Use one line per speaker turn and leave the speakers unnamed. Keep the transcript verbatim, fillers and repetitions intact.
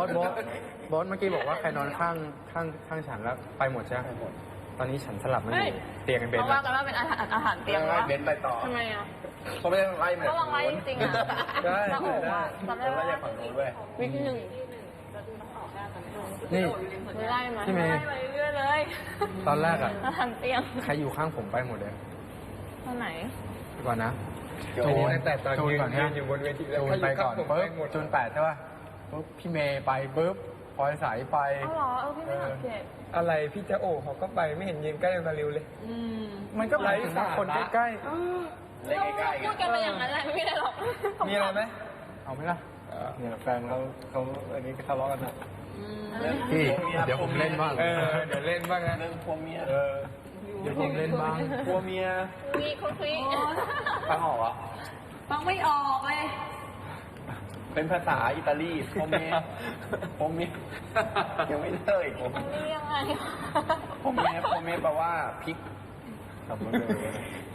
สบอสบอสเมื่อกี้บอกว่าใครนอนข้างข้างข้างฉันแล้วไปหมดใช่ไหมตอนนี้ฉันสลับมาอยู่เตียงกันเบน
เขาว่ากันว่าเป็นอาหารอาหารเตรียม
ไล่
วะ
เบนไปต่อ
ทำไมอ่ะ
เขาไม่ได้ไล่เหมือน
ก็ลองไล่จริงๆอ่ะ
ได้
แล้วโอ้โห
ได้
อะจำได้
ไล่
ว่า
จากฝั่งนู้นเว้ย
วิกหนึ่ง
นี่
ไม่ไล่มา
พี่เมย์
ไล่มาเรื่อยๆเลย
ตอนแรกอะ
อาหารเตรียม
ใครอยู่ข้างผมไปหมดเลย
ตอนไหน
ดีกว่านะ
โจนแต่ตอน
จูน
ยืน
ก่อน
ยื
นะ
นอยู่บนเวทีแล้ว
จูนไปก่อน
เขา
ปึ๊บ
ยู่ข้างผมไปหมด
จูนแปดใช่ป่ะปุ๊บพี่เมย์ไปปึ๊บพลอยสายไป
อ๋อเหรอเออพี่ไม่สังเกต
อะไรพี่จะโอ้เขาก็ไปไม่เห็นยืนใกล้มาริวเลย
อืม
มันก็หมายถึงว่าคนใกล้
เล่นใกล้ๆ
พูดกันไปอย่างนั้นแหละไม่มีอะไรหรอก
มีอะไรไหม
ๆเอาไหมล่ะ
เนี่ยแฟนเขาเขาอันนี้ทะเลาะกันนะ
อืม
พี่เดี๋ยวผมเล่นบ้าง
เออเดี๋ยวเล่นบ้างนะเรื่องพวเมียเออ
เดี๋ยวผมเล่นบ้าง
พวเมีย
มีคนคุย
ฟังออกอ่ะ
ฟังไม่ออกเลย
เป็นภาษาอิตาลีพวเมียพวเมียยังไม่เลิกผม
นี่ยังไง
พวเมียพวเมียแปลว่าพริกทำมาเลย